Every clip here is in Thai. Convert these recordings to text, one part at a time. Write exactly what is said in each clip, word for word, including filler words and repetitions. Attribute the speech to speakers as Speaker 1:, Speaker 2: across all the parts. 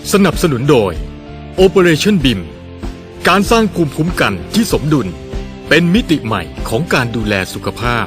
Speaker 1: สนับสนุนโดย Operation บี ไอ เอ็ม การสร้างภูมิคุ้มกันที่สมดุลเป็นมิติใหม่ของการดูแลสุขภาพ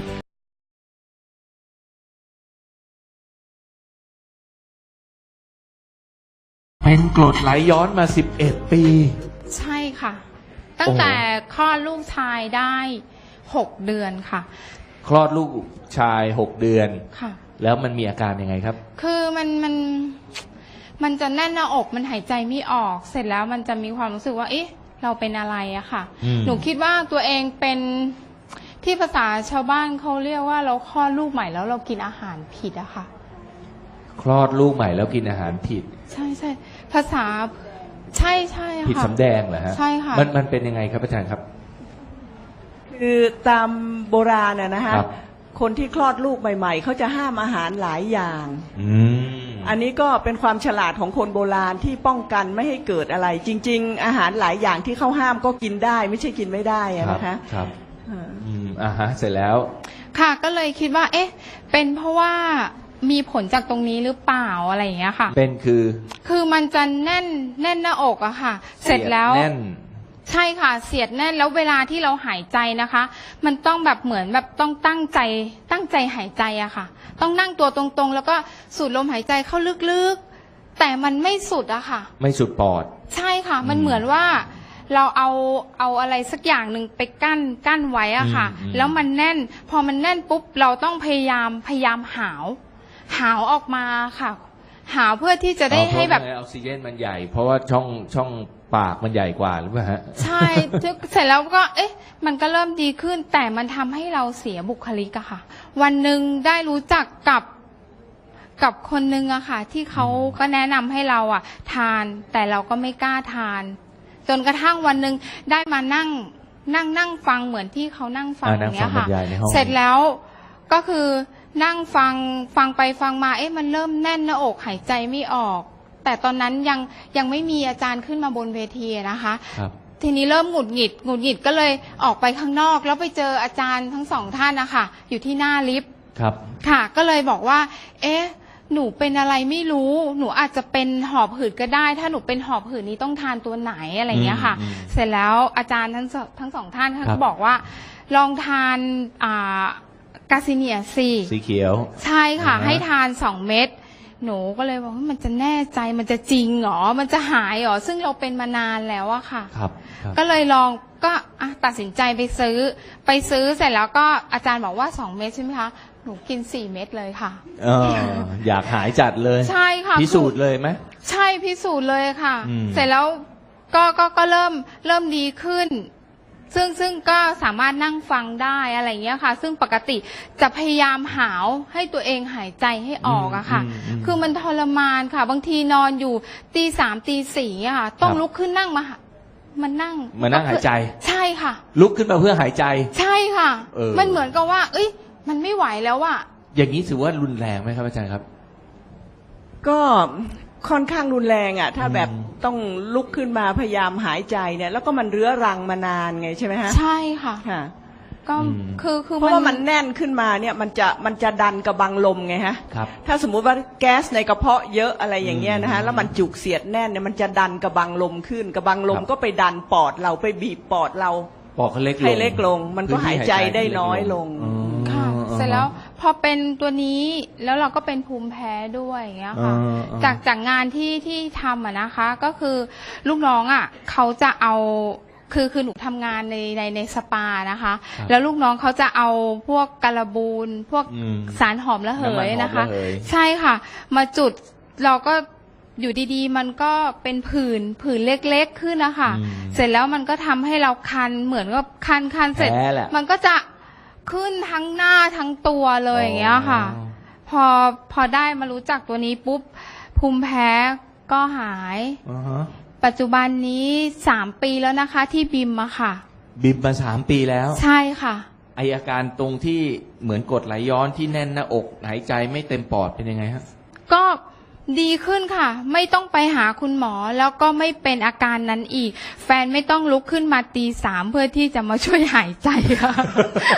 Speaker 2: เป็นกรดไหลย้อนมาสิบเอ็ดปี
Speaker 3: ใช่ค่ะตั้งแต่คลอดลูกชายได้หกเดือนค่ะ
Speaker 2: คลอดลูกชายหกเดือน
Speaker 3: ค่ะ
Speaker 2: แล้วมันมีอาการยังไงครับ
Speaker 3: คือมันมันมันจะแน่นหน้าอกมันหายใจไม่ออกเสร็จแล้วมันจะมีความรู้สึกว่าเอ๊ะเราเป็นอะไรอะค่ะหนูคิดว่าตัวเองเป็นที่ภาษาชาวบ้านเขาเรียกว่าเราคลอดลูกใหม่แล้วเรากินอาหารผิดอะค่ะ
Speaker 2: คลอดลูกใหม่แล้วกินอาหารผิด
Speaker 3: ใช่ใช่ภาษาใช่ใช่ค่ะ
Speaker 2: ผิดสำแดงเหรอฮะ
Speaker 3: ใช่ค่ะ
Speaker 2: มันมันเป็นยังไงครับอาจารย์ครับ
Speaker 4: คือตามโบราณน่ะนะฮะคนที่คลอดลูกใหม่ๆเขาจะห้ามอาหารหลายอย่าง
Speaker 2: อืม
Speaker 4: อันนี้ก็เป็นความฉลาดของคนโบราณที่ป้องกันไม่ให้เกิดอะไรจริงๆอาหารหลายอย่างที่เขาห้ามก็กินได้ไม่ใช่กินไม่ได้นะคะ
Speaker 2: ครับอืมอ่าฮะเสร็จแล้ว
Speaker 3: ค่ะก็เลยคิดว่าเอ๊ะเป็นเพราะว่ามีผลจากตรงนี้หรือเปล่าอะไรอย่างเงี้ยค่ะ
Speaker 2: เป็นคือ
Speaker 3: คือมันจะแน่นแน่นหน้าอกอะค่ะเสร็จแล้ว
Speaker 2: แน่น
Speaker 3: ใช่ค่ะเสียดแน่นแล้วเวลาที่เราหายใจนะคะมันต้องแบบเหมือนแบบต้องตั้งใจตั้งใจหายใจอะค่ะต้องนั่งตัวตรงๆแล้วก็สูดลมหายใจเข้าลึกๆแต่มันไม่สุดอะค่ะ
Speaker 2: ไม่สุดปอด
Speaker 3: ใช่ค่ะมันเหมือนว่าเราเอาเอาอะไรสักอย่างหนึ่งไปกั้นกั้นไว้อะค่ะแล้วมันแน่นพอมันแน่นปุ๊บเราต้องพยายามพยายามหาวหาวออกมาค่ะหาวเพื่อที่จะได้ให้แบบ
Speaker 2: ออกซิเจนมันใหญ่เพราะว่าช่องช่องปากมันใหญ่กว่าหรือเปล่าฮะ
Speaker 3: ใช่เสร็จแล้วก็เอ๊ะมันก็เริ่มดีขึ้นแต่มันทำให้เราเสียบุคลิกอะค่ะวันหนึ่งได้รู้จักกับกับคนนึงอะค่ะที่เขาก็แนะนำให้เราอะทานแต่เราก็ไม่กล้าทานจนกระทั่งวันหนึ่งได้มานั่งนั่งนั่งฟังเหมือนที่เขานั่งฟังอย่างเงี้ยค่ะเสร็จแล้วก็คือนั่งฟังฟังไปฟังมาเอ๊ะมันเริ่มแน่นหน้าอกหายใจไม่ออกแต่ตอนนั้นยังยังไม่มีอาจารย์ขึ้นมาบนเวทีนะคะทีนี้เริ่มหงุดหงิดหงุดหงิดก็เลยออกไปข้างนอกแล้วไปเจออาจารย์ทั้งสองท่านนะคะอยู่ที่หน้าลิฟต์
Speaker 2: ครับ
Speaker 3: ค่ะก็เลยบอกว่าเอ๊ะหนูเป็นอะไรไม่รู้หนูอาจจะเป็นหอบหืดก็ได้ถ้าหนูเป็นหอบหืดนี้ต้องทานตัวไหนอะไรเงี้ยค่ะเสร็จแล้วอาจารย์ทั้งทั้งสองท่านเขาก็บอกว่าลองทานอ่ากาซิเนียซี
Speaker 2: สีเขียว
Speaker 3: ใช่ค่ะให้ทานสองเม็ดหนูก็เลยบอกว่ามันจะแน่ใจมันจะจริงหรอมันจะหายหรอซึ่งเราเป็นมานานแล้วอะค่ะ
Speaker 2: ครับ
Speaker 3: ก็เลยลองก็ตัดสินใจไปซื้อไปซื้อเสร็จแล้วก็อาจารย์บอกว่าสองเม็ดใช่ไหมคะหนูกินสี่เม็ดเลยค่ะ
Speaker 2: เอออยากหายจัดเลย
Speaker 3: ใช่ค่ะ
Speaker 2: พิสูจน์เลยไหม
Speaker 3: ใช่พิสูจน์เลยค่ะเสร็จแล้วก็ก็ก็เริ่มเริ่มดีขึ้นซึ่งซึ่งก็สามารถนั่งฟังได้อะไรเงี้ยค่ะซึ่งปกติจะพยายามหาวให้ตัวเองหายใจให้ออกอะค่ะคือมันทรมานค่ะบางทีนอนอยู่ตีสามตีสี่อะค่ะต้องลุกขึ้นนั่งมามันนั่ง
Speaker 2: มานั่งหายใจ
Speaker 3: ใช่ค่ะ
Speaker 2: ลุกขึ้นมาเพื่อหายใจ
Speaker 3: ใช่ค่ะมันเหมือนกับว่าเอ้ยมันไม่ไหวแล้วอะ
Speaker 2: อย่างนี้ถือว่ารุนแรงไหมครับอาจารย์ครับ
Speaker 4: ก็ค่อนข้างรุนแรงอ่ะถ้าแบบต้องลุกขึ้นมาพยายามหายใจเนี่ยแล้วก็มันเรื้อรังมานานไงใช่ไหมฮะ
Speaker 3: ใช่ค่ะ
Speaker 4: ค่ะ
Speaker 3: ก็คือคือ
Speaker 4: เพราะว่ามันแน่นขึ้นมาเนี่ยมันจะมันจะดันกระบังลมไงฮะ
Speaker 2: ครับ
Speaker 4: ถ้าสมมุติว่าแก๊สในกระเพาะเยอะอะไรอย่างเงี้ยนะฮะแล้วมันจุกเสียดแน่นเนี่ยมันจะดันกระบังลมขึ้นกระบังลมก็ไปดันปอดเราไปบีบปอดเรา
Speaker 2: ปอดเขาเล็กลง
Speaker 4: ให้เล็กลงมันก็หายใจได้น้อยลง
Speaker 3: ค่ะเสร็จแล้วพอเป็นตัวนี้แล้วเราก็เป็นภูมิแพ้ด้วยอย่างเงี้ยค่ะจากจากงานที่ที่ทำอ่ะนะคะก็คือลูกน้องอ่ะเขาจะเอาคือคือหนูทำงานในในในสปานะคะแล้วลูกน้องเขาจะเอาพวกการบูนพวกสารหอมระเหยนะคะใช่ค่ะมาจุดเราก็อยู่ดีๆมันก็เป็นผื่นผื่นเล็กๆขึ้นนะคะเสร็จแล้วมันก็ทำให้เราคันเหมือนกับคันคันเสร็จมันก็จะขึ้นทั้งหน้าทั้งตัวเลยอย่างเงี้ยค่ะพอพอได้มารู้จักตัวนี้ปุ๊บภูมิแพ้ก็หาย
Speaker 2: uh-huh.
Speaker 3: ปัจจุบันนี้สามปีแล้วนะคะที่บิมอะค่ะ
Speaker 2: บิมมาสามปีแล้ว
Speaker 3: ใช่ค่ะ
Speaker 2: ไออาการตรงที่เหมือนกรดไหลย้อนที่แน่นหน้าอกหายใจไม่เต็มปอดเป็นยังไงฮะ
Speaker 3: ก็ดีขึ้นค่ะไม่ต้องไปหาคุณหมอแล้วก็ไม่เป็นอาการนั้นอีกแฟนไม่ต้องลุกขึ้นมาตีสามเพื่อที่จะมาช่วยหายใจค่ะ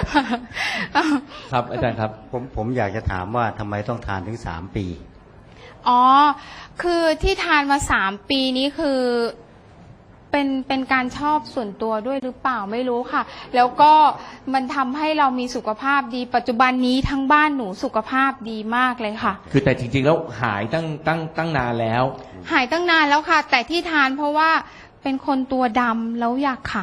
Speaker 2: ครับอาจารย์ครับ
Speaker 5: ผมผมอยากจะถามว่าทำไมต้องทานถึงสามปี
Speaker 3: อ๋อ คือที่ทานมาสามปีนี้คือเป็นเป็นการชอบส่วนตัวด้วยหรือเปล่าไม่รู้ค่ะ แล้วก็มันทำให้เรามีสุขภาพดีปัจจุบันนี้ทั้งบ้านหนูสุขภาพดีมากเลยค่ะ
Speaker 2: คือแต่จริงๆแล้วหายตั้งตั้งตั้งนานแล้ว
Speaker 3: หายตั้งนานแล้วค่ะ แต่ที่ทานเพราะว่าเป็นคนตัวดำแล้วอยากขาว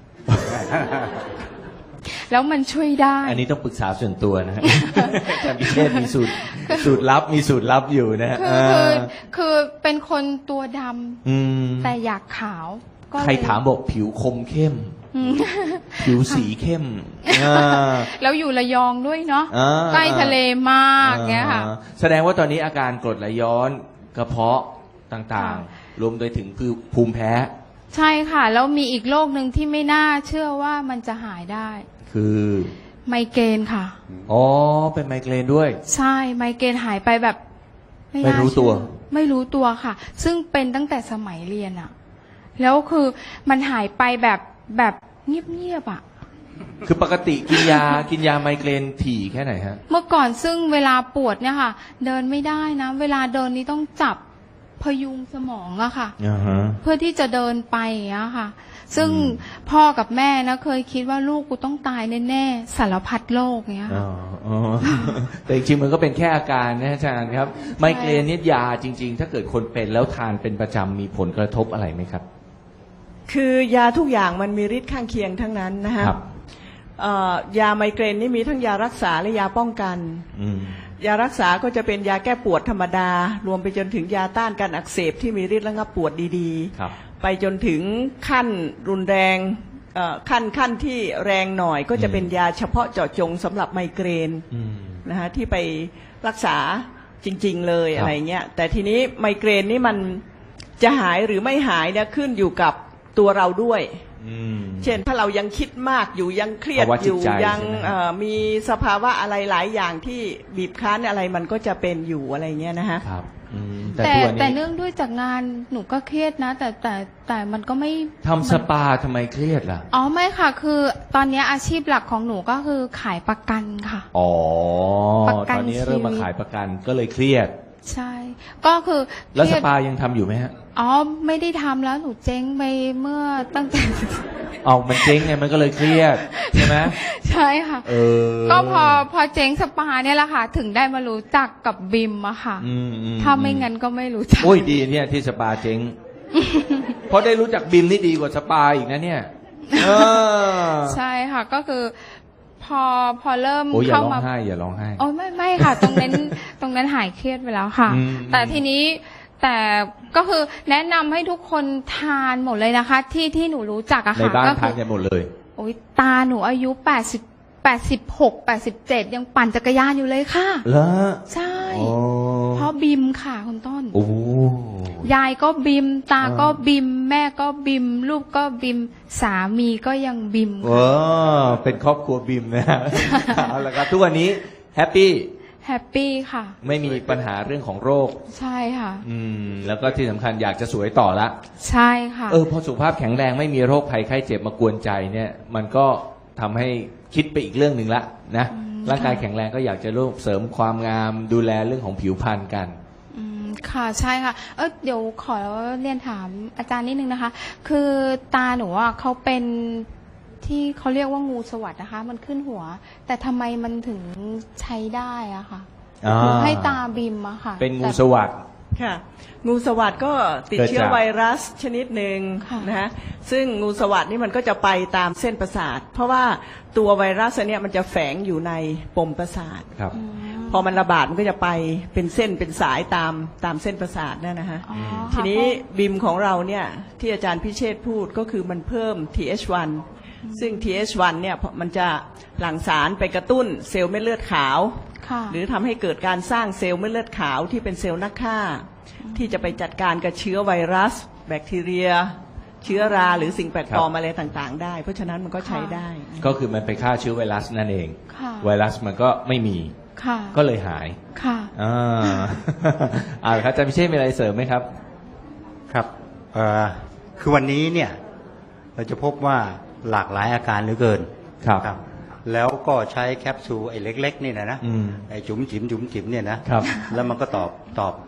Speaker 3: แล้วมันช่วยได้
Speaker 2: อันนี้ต้องปรึกษาส่วนตัวนะฮะ อาจารย์พิเชษมีสูตรสูตรลับมีสูตรลับอยู่นะฮะ
Speaker 3: คือคือคือเป็นคนตัวด
Speaker 2: อืม
Speaker 3: ำแต่อยากขาวก็เลย
Speaker 2: ใครถามบอกผิวคมเข้ม
Speaker 3: อืม
Speaker 2: ผิวสีเข้มอ่า
Speaker 3: แล้วอยู่ระยองด้วยเนาะ
Speaker 2: อ่า
Speaker 3: ใกล้ทะเลมากเงี้ยค่ะ
Speaker 2: อ่าแสดงว่าตอนนี้อาการกรดไหลย้อนกระเพาะต่าง
Speaker 3: ค่ะ
Speaker 2: ๆ รวมไปถึงคือภูมิแพ้
Speaker 3: ใช่ค่ะ แล้วมีอีกโรคหนึ่งที่ไม่น่าเชื่อว่ามันจะหายได้
Speaker 2: คือ
Speaker 3: ไมเกรนค่ะ
Speaker 2: อ๋อเป็นไมเกรนด้วย
Speaker 3: ใช่ไมเกรนหายไปแบบ
Speaker 2: ไม่
Speaker 3: น่า
Speaker 2: รู้ตัว
Speaker 3: เชื่อไม่รู้ตัวค่ะ ซึ่งเป็นตั้งแต่สมัยเรียนอะแล้วคือมันหายไปแบบแบบเงียบๆอะ
Speaker 2: คือปกติกินยา กินยาไมเกรนถี่แค่ไหนฮะ
Speaker 3: เมื่อก่อนซึ่งเวลาปวดเนี่ยค่ะ เดินไม่ได้นะ เวลาเดินนี้ต้องจับพยุงสมองอะค่ะ
Speaker 2: อ่าฮะ
Speaker 3: เพื่อที่จะเดินไปอย่างเงี้ยค่ะ ซึ่ง
Speaker 2: อืม
Speaker 3: พ่อกับแม่นะเคยคิดว่าลูกกูต้องตายแน่ๆสารพัดโรคเงี้ย
Speaker 2: อ๋
Speaker 3: ค่ะ
Speaker 2: ออ๋อ แต่จริงๆมันก็เป็นแค่อาการนะอาจารย์ครับ ไมเกรนนี่ยาจริง ๆ ถ้าเกิดคนเป็นแล้วทานเป็นประจำมีผลกระทบอะไรไหมครับ
Speaker 4: คือยาทุกอย่างมันมีฤทธิ์ข้างเคียงทั้งนั้นนะฮะ
Speaker 2: ครับ
Speaker 4: เอ่อยาไมเกรนนี่มีทั้งยารักษาและยาป้องกัน
Speaker 2: อืม
Speaker 4: ยารักษาก็จะเป็นยาแก้ปวดธรรมดา รวมไปจนถึงยาต้านการอักเสบที่มีฤทธิ์ระงับปวดดี
Speaker 2: ครับ
Speaker 4: ๆ ไปจนถึงขั้นรุนแรงเอ่อขั้นขั้นที่แรงหน่อยก็จะเป็นยาเฉพาะเจาะจงสำหรับไมเกรน
Speaker 2: อืม
Speaker 4: นะฮะที่ไปรักษาจริง ๆ เลย
Speaker 2: ครับ
Speaker 4: อะไรเงี้ยแต่ทีนี้ไมเกรนนี่มันจะหายหรือไม่หายเนี่ยขึ้นอยู่กับตัวเราด้วย
Speaker 2: อืม
Speaker 4: เช่นถ้าเรายังคิดมากอยู่ยังเครียด
Speaker 2: ภาวะ
Speaker 4: อ
Speaker 2: จิต
Speaker 4: ยู่
Speaker 2: ใจ
Speaker 4: ยัง
Speaker 2: ใช่ไหม
Speaker 4: เอ่อมีสภาวะอะไรหลายอย่างที่บีบคั้นอะไรมันก็จะเป็นอยู่อะไรเงี้ยนะฮะ
Speaker 2: ครับอืมแต่
Speaker 3: แต่
Speaker 2: ตัว
Speaker 3: แต่
Speaker 2: นี้
Speaker 3: เนื่องด้วยจากงานหนูก็เครียดนะ แต่แต่แต่มันก็ไม่
Speaker 2: ทำสปาทำไมเครียดล่ะ
Speaker 3: อ๋อไม่ค่ะ คือตอนนี้อาชีพหลักของหนูก็คือขายประกันค่ะ
Speaker 2: อ๋อ
Speaker 3: ประกัน
Speaker 2: ตอนนี้เริ่มมา
Speaker 3: ชีวิต
Speaker 2: ขายประกันก็เลยเครียด
Speaker 3: ใช่ ก็คือ
Speaker 2: แล้ว
Speaker 3: เครี
Speaker 2: ส
Speaker 3: ยด
Speaker 2: ปายังทำอยู่ไหมฮะ
Speaker 3: อ๋อไม่ได้ทำแล้วหนูเจ๊งไปเมื่อตั้งแต่
Speaker 2: เอามันเจ๊งไงมันก็เลยเครียดใช่ไหม
Speaker 3: ใช่ค่ะ
Speaker 2: เออ
Speaker 3: ก็พอพอเจ๊งสปาเนี่ยแหละค่ะ ถึงได้มารู้จักกับบิมอะค่ะ
Speaker 2: อืมอื
Speaker 3: ถ้าไม่งั้นก็ไม่รู้จัก
Speaker 2: โอ้ยดีเนี่ยที่สปาเจ๊ง เพราะได้รู้จักบิมนี่ดีกว่าสปาอีกนะเนี่ยเออ
Speaker 3: ใช่ค่ะ ก็คือ พอพอเริ่ม
Speaker 2: โอ้ยอย่า
Speaker 3: เข้า
Speaker 2: ร้อง
Speaker 3: มา
Speaker 2: ไห้อย่าร้องไห้
Speaker 3: โอ้ยไม่ไม่ค่ะ ตรงนั้น ตรงนั้นหายเครียดไปแล้วค่ะ
Speaker 2: อืม
Speaker 3: แต่ทีนี้แต่ก็คือแนะนำให้ทุกคนทานหมดเลยนะคะ ที่ที่หนูรู้จักอะ
Speaker 2: ใน
Speaker 3: ค่ะ
Speaker 2: บ้าน
Speaker 3: ก็
Speaker 2: ทานกันหมดเลย
Speaker 3: โอ้ยตาหนูอายุแปดสิบแปดสิบหกแปดสิบเจ็ดยังปั่นจักรยานอยู่เลยค่ะ
Speaker 2: แล้ว
Speaker 3: ใช่
Speaker 2: โอ้
Speaker 3: เพราะบิมค่ะคุณต้น
Speaker 2: โอ้
Speaker 3: ยายก็บิม ตา
Speaker 2: อ่า
Speaker 3: ก็บิม แม่ก็บิม ลูกก็บิม สามีก็ยังบิม
Speaker 2: เออเป็นครอบครัวบิมนะฮะ เอาละครับทุกวันนี้แฮปปี้
Speaker 3: แฮปปี้ค่ะ
Speaker 2: ไม่มีปัญหาเรื่องของโรค
Speaker 3: ใช่ค่ะ
Speaker 2: อืม แล้วก็ที่สำคัญอยากจะสวยต่อละ
Speaker 3: ใช่ค่ะ
Speaker 2: เออพอสุขภาพแข็งแรงไม่มีโรคภัยไข้เจ็บมากวนใจเนี่ย มันก็ทำให้คิดไปอีกเรื่องหนึ่งละนะ
Speaker 3: อืม
Speaker 2: ร่างกาย
Speaker 3: ค่ะ
Speaker 2: แข็งแรงก็อยากจะร่วมเสริมความงามดูแลเรื่องของผิวพรรณกัน
Speaker 3: อืมค่ะใช่ค่ะ เออเดี๋ยวขอเรียนถามอาจารย์นิดนึงนะคะ คือตาหนูอ่ะเขาเป็นที่เขาเรียกว่างูสวัสดนะคะ มันขึ้นหัว แต่ทำไมมันถึงใช้ได้อะค่ะ
Speaker 2: อ่า
Speaker 3: หนูให้ตาบิมอะค่ะ
Speaker 2: เป็นงู
Speaker 3: แต่
Speaker 2: สวัสด
Speaker 4: ค่ะ งูสวัสดก็ติด
Speaker 2: เกิดจาก
Speaker 4: เชื้อไวรัสชนิดหนึ่ง
Speaker 3: ค่ะ
Speaker 4: นะฮะซึ่งงูสวัสดนี่มันก็จะไปตามเส้นประสาท เพราะว่าตัวไวรัสอันเนี้ยมันจะแฝงอยู่ในปมประสาท
Speaker 2: ครับ
Speaker 3: อืม
Speaker 4: พอมันระบาดมันก็จะไปเป็นเส้นเป็นสายตามตามเส้นประสาทนั่นนะฮะ
Speaker 3: อ๋อ
Speaker 4: ทีนี้
Speaker 3: ค่ะ
Speaker 4: บิมของเราเนี่ยที่อาจารย์พิเชษฐ์พูดก็คือมันเพิ่ม ที เอช วัน ซึ่ง ที เอช วัน เนี่ยมันจะหลั่งสารไปกระตุ้นเซลล์เม็ดเลือดขาว
Speaker 3: ค่ะ
Speaker 4: หรือทำให้เกิดการสร้างเซลล์เม็ดเลือดขาวที่เป็นเซลล์นักฆ่า ที่จะไปจัดการกับเชื้อไวรัส แบคทีเรีย เชื้อราหรือสิ่งแปลกปลอมอะไรต่างๆ ได้ เพราะฉะนั้นมันก็ใช้ได้
Speaker 2: ก็คือมันไปฆ่าเชื้อไวรัสนั่นเอง
Speaker 3: ค่ะ
Speaker 2: ไวรัสมันก็ไม่มี
Speaker 3: ค่ะ
Speaker 2: ก็เลยหาย
Speaker 3: ค่ะ
Speaker 2: อ่า อ่าครับอาจารย์พิเชษมีอะไรเสริมไหมครับ
Speaker 5: ครับเอ่อคือวันนี้เนี่ยเราจะพบว่าหลากหลายอาการเหลือเกิน
Speaker 2: ครับ
Speaker 5: แล้วก็ใช้แคปซูลไอ้เล็กๆนี่นะนะ
Speaker 2: อืม
Speaker 5: ไอ้จุ๋มจิ๋มจุ๋มจิ๋มเนี่ยนะครับ แล้วมันก็ตอบตอบ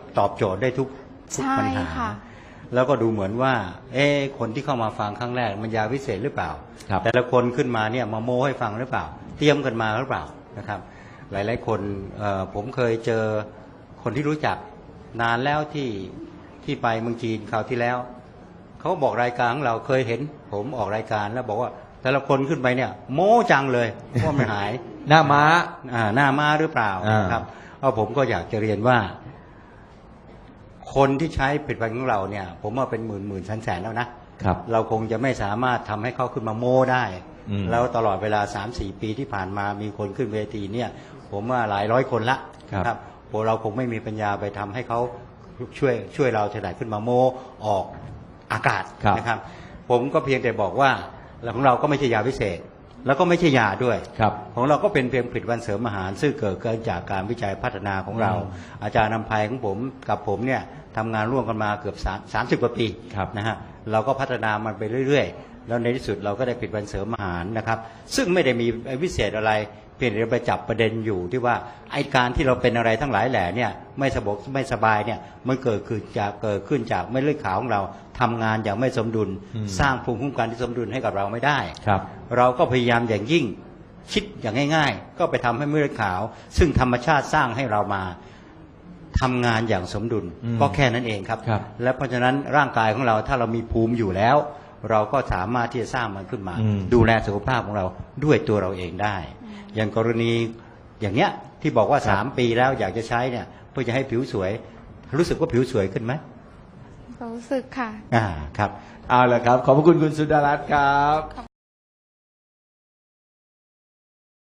Speaker 5: ตอบโจทย์ได้ทุกทุก
Speaker 3: ใช่
Speaker 5: ปัญหา
Speaker 3: ค่ะ
Speaker 5: แล้วก็ดูเหมือนว่า เอ๊ะคนที่เข้ามาฟังครั้งแรกมันยาวิเศษหรือเปล่า
Speaker 2: ครับ
Speaker 5: แต่ละคนขึ้นมาเนี่ยมาโม้ให้ฟังหรือเปล่า เตรียมกันมาหรือเปล่านะครับ หลายๆคนเอ่อผมเคยเจอคนที่รู้จักนานแล้วที่ที่ไปเมืองจีนคราวที่แล้วเขาบอกรายการของเราเคยเห็น ผมออกรายการแล้วบอกว่าแต่ละคนขึ้นไปเนี่ย โม้จังเลยว่ามันหาย
Speaker 2: หน้าม้า
Speaker 5: อ่าหน้ามาหรือเปล่า
Speaker 2: อ่าน
Speaker 5: นะครับเอาผมก็อยากจะเรียนว่า คนที่ใช้ผลิตภัณฑ์ของเราเนี่ย ผมว่าเป็นหมื่นหมื่นแสนแสนแล้วนะครับ เราคงจะไม่สามารถทำให้เขาขึ้นมาโม้ได้
Speaker 2: อืม
Speaker 5: แล้วตลอดเวลา สามสี่ ปีที่ผ่านมามีคนขึ้นเวทีเนี่ย ผมว่าหลายร้อยคนละ
Speaker 2: ครับ
Speaker 5: พวกเราคงไม่มีปัญญาไปทำให้เขาช่วยช่วยเราถนัดขึ้นมาโม้ออกอากาศ
Speaker 2: ครับ
Speaker 5: นะครับ ผมก็เพียงแต่บอกว่าแล้วของเราก็ไม่ใช่ยาพิเศษ แล้วก็ไม่ใช่ยาด้วย
Speaker 2: ครับ
Speaker 5: ของเราก็เป็นเพียงผลิตภัณฑ์เสริมอาหาร ซึ่งเกิดขึ้นจากการวิจัยพัฒนาของเรา
Speaker 2: อืม
Speaker 5: อาจารย์นำภัยของผมกับผมเนี่ยทำงานร่วมกันมาเกือบสามสิบกว่าปี
Speaker 2: ครับ
Speaker 5: นะฮะเราก็พัฒนามันไปเรื่อยๆ แล้วในที่สุดเราก็ได้ผลิตภัณฑ์เสริมอาหารนะครับ ซึ่งไม่ได้มีวิเศษอะไรเพียงแต่ไปจับประเด็นอยู่ที่ว่าไอการที่เราเป็นอะไรทั้งหลายแหล่เนี่ยไม่สบกไม่สบายเนี่ยมันเกิดขึ้นจากเกิดขึ้นจากเม็ดเลือดขาวของเราทำงานอย่างไม่สมดุล
Speaker 2: อืม
Speaker 5: สร้างภูมิคุ้มกันที่สมดุลให้กับเราไม่ได้
Speaker 2: ครับ
Speaker 5: เราก็พยายามอย่างยิ่งคิดอย่างง่าย ๆ ก็ไปทำให้เม็ดเลือดขาว ซึ่งธรรมชาติสร้างให้เรามาทำงานอย่างสมดุล
Speaker 2: อืม
Speaker 5: ก็แค่นั้นเองครับ
Speaker 2: ครับ
Speaker 5: และเพราะฉะนั้นร่างกายของเราถ้าเรามีภูมิอยู่แล้ว เราก็สามารถที่จะสร้างมันขึ้นมา
Speaker 2: อืม
Speaker 5: ดูแลสุขภาพของเราด้วยตัวเราเองได้ อย่างกรณีอย่างเนี้ยที่บอกว่าสามปีแล้วอยากจะใช้เนี่ยเพื่อจะให้ผิวสวย รู้สึกว่าผิวสวยขึ้นไหม
Speaker 3: รู้สึกค่ะ
Speaker 5: อ่าครับ
Speaker 2: เอาละครับ ขอบพระคุณคุณสุดารัตน์ครับ
Speaker 3: ขอบ